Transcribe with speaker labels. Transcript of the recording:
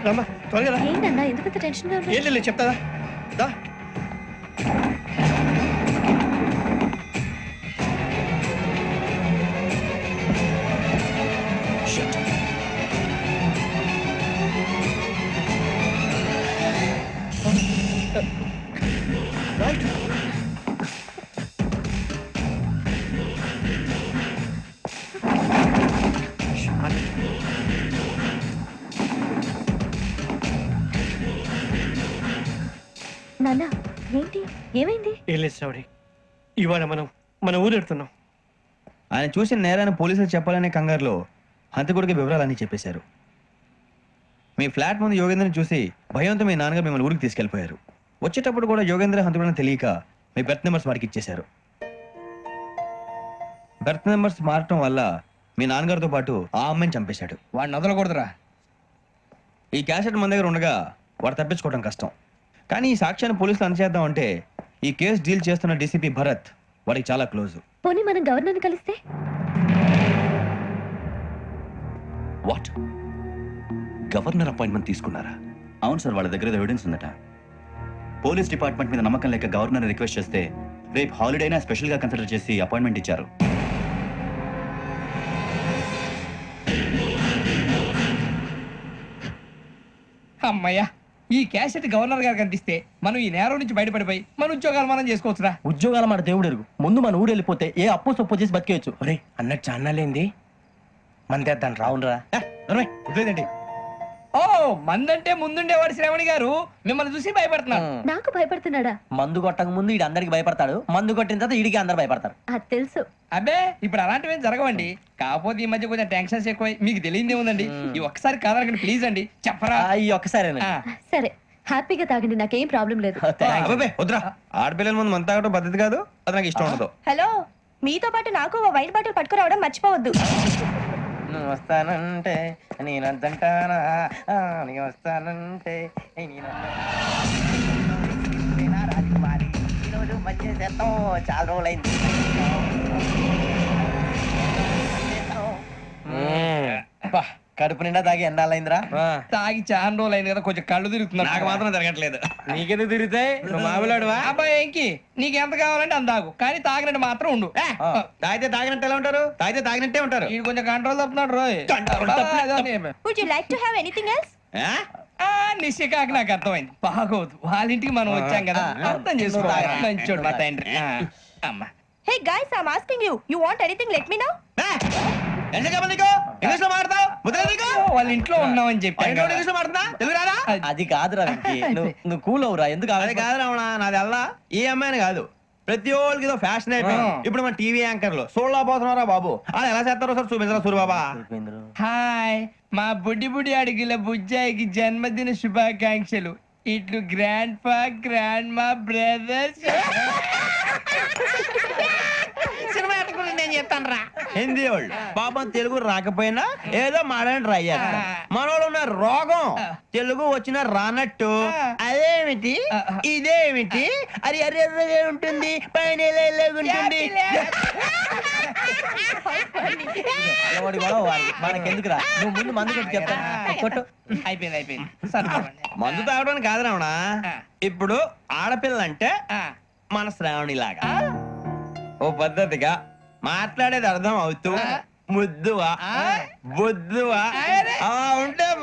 Speaker 1: రమ్మా త్వరగా రా.
Speaker 2: ఏంటన్నా ఎందుకంత టెన్షన్ గా
Speaker 1: ఏం లేదు చెప్తాదా దా. రైట్.
Speaker 2: నాన్న ఏంటి ఏమైంది?
Speaker 1: ఏం లేదు శ్రావణి, ఇవాళ మనం మన ఊరు వెళ్తున్నాం.
Speaker 3: ఆయన చూసిన నేరాన్ని పోలీసులు చెప్పాలనే కంగారులో హంతకుడికి వివరాలన్నీ చెప్పేశారు. మీ ఫ్లాట్ ముందు యోగేంద్రని చూసి భయంతో మీ నాన్నగారు మిమ్మల్ని ఊరికి తీసుకెళ్లిపోయారు. వచ్చేటప్పుడు కూడా యోగేంద్ర హంతకుడని తెలియక మీ బెర్త్ నెంబర్స్ వారికి ఇచ్చేశారు. బెర్త్ నెంబర్స్ మారటం వల్ల మీ నాన్నగారితో పాటు ఆ అమ్మాయిని చంపేశాడు.
Speaker 4: వాడిని వదలకూడదురా.
Speaker 3: ఈ క్యాసెట్ మన దగ్గర ఉండగా వాడు తప్పించుకోవడం కష్టం. కానీ ఈ సాక్ష్యాన్ని పోలీసులు అందజేద్దాం అంటే ఈ కేసు డీల్ చేస్తున్న డీసీపీ భరత్ వాడికి చాలా క్లోజ్.
Speaker 2: పోనీ మనం గవర్నర్ని కలిస్తే?
Speaker 5: వాట్? గవర్నర్ అపాయింట్మెంట్ తీసుకున్నారా?
Speaker 6: అవును సార్, వాళ్ళ దగ్గర ఎవిడెన్స్ ఉందట. పోలీస్ డిపార్ట్మెంట్ మీద నమ్మకం లేక గవర్నర్ రిక్వెస్ట్ చేస్తే రేపు హాలిడేనా స్పెషల్గా కన్సిడర్ చేసి అపాయింట్మెంట్ ఇచ్చారు.
Speaker 4: అమ్మయ్యా, ఈ క్యాసెట్ గవర్నర్ గారికి అందిస్తే మనం ఈ నేరం నుంచి బయటపడిపోయి మన ఉద్యోగాలు మనం చేసుకోవచ్చురా.
Speaker 7: ఉద్యోగాల మాట దేవుడు ఎరుగు. ముందు మన ఊరు వెళ్ళిపోతే ఏ అప్పు సొప్పు చేసి బతికేయచ్చు.
Speaker 1: ఒరే అన్నట్టు చాన్నాలేంది మందేద్దాను రా.
Speaker 7: అవునరా.
Speaker 3: వదిలేదండి.
Speaker 4: ఓ మందంటే ముందుండేవాడు శ్రావణి గారు మిమ్మల్ని చూసి భయపడుతున్నాను.
Speaker 2: నాకు భయపడుతున్నాడా?
Speaker 7: మందు కొట్టక ముందు ఈడు అందరికి భయపడతాడు, మందు కొట్టిన తర్వాత ఈడికి అందరు భయపడతారు.
Speaker 2: అది తెలుసు.
Speaker 4: అబ్బే ఇప్పుడు అలాంటివి జరగవండి. కాకపోతే ఈ మధ్య కొంచెం టెన్షన్స్ ఎక్కువ, మీకు తెలియదే ఉందండి. ఈ ఒక్కసారి కాదనకండి ప్లీజ్ అండి, చెప్పరా.
Speaker 7: ఈ ఒక్కసారి
Speaker 2: సరే హ్యాపీగా తాగండి, నాకేం ప్రాబ్లం లేదు.
Speaker 3: అబ్బాబే వద్దురా, ఆడపిల్లల ముందు మంత తాగడం పద్ధతి కాదు, అది నాకు ఇష్టం ఉండదు.
Speaker 2: హలో, మీతో పాటు నాకు ఓ వైట్ బాటిల్ పట్టుకురావడం మర్చిపోవద్దు.
Speaker 7: నువ్వు వస్తానంటే నేనంటానా, నీ వస్తానంటే రాజకుమారి ఈరోజు మంచి చేస్తాం. చాలా రోజులైంది. కడుపు నిండా తాగి ఎండాలైందిరా.
Speaker 4: తాగి చాలా రోజులు అయింది కదా, కొంచెం కళ్ళు తిరుగుతున్నా.
Speaker 3: నాకు మాత్రం జరగట్లేదు.
Speaker 1: నీకెందుకు తిరుగుతాయి? నువ్వు మామిలాడువా?
Speaker 4: అబ్బాయి ఏంకి నీకు ఎంత కావాలంటే అంత తాగు, కానీ తాగినట్టు మాత్రం ఉండు.
Speaker 3: తాగితే తాగినట్టు ఎలా ఉంటారు? తాగితే తాగినట్టే ఉంటారు.
Speaker 4: వీడు కొంచెం కంట్రోల్ తప్పుతున్నాడు రోయ్.
Speaker 2: Would you like to have anything else?
Speaker 4: నిశ్చికాకి నాకు అర్థమైంది. బాగోదు, వాళ్ళ ఇంటికి మనం వచ్చాం కదా, అర్థం చేసుకోవాలి. మంచోడు మా తండ్రి. అమ్మా
Speaker 2: hey guys, I am asking you, you want anything let me know.
Speaker 3: English లో మాడతావు?
Speaker 4: వాళ్ళ ఇంట్లో ఉన్నామని చెప్పాను కదా.
Speaker 3: ఇంగ్లీష్ లో మాడుతున్నా? తెలుగు రాదా?
Speaker 7: అది కాదురా వెంకీ, నువ్వు కూల్ అవురా. ఎందుకు
Speaker 3: అది కాదు రావణా, నాది అల్లా ఈ అమ్మాయిని కాదు, ప్రతి ఒక్కరికి ఏదో ఫ్యాషన్ అయిపోయింది. ఇప్పుడు మన టీవీ యాంకర్లు సోళ్ళ పోతున్నారా బాబు, అది ఎలా చేస్తారో సార్ చూపించరా సూరిబాబా.
Speaker 4: హాయ్, మా బుడ్డి బుడి అడిగిల బుజ్జాయికి జన్మదిన శుభాకాంక్షలు. ఇట్లు గ్రాండ్ ఫా గ్రాండ్ మా బ్రదర్స్. నేను చెప్తాను రా.
Speaker 3: హిందీ వాళ్ళు పాపం తెలుగు రాకపోయినా ఏదో మాడని ట్రై చేస్తారు. మనోళ్ళు ఉన్న రోగం తెలుగు వచ్చిన రానట్టు అదేమిటి ఇదేమిటి అది ఎర్రగా ఉంటుంది పైన ఉంటుంది.
Speaker 7: మనకెందుకురా, నువ్వు ముందు మందు కొట్టి చెప్తాను. కొట్టు.
Speaker 4: అయిపోయింది అయిపోయింది.
Speaker 3: మందు తాగడానికి కాదు రావణ, ఇప్పుడు ఆడపిల్ల అంటే మన శ్రావణి లాగా ఓ పద్ధతిగా మాట్లాడేది అర్థం అవుతూ ముద్దువా బొద్దువా అలా ఉంటే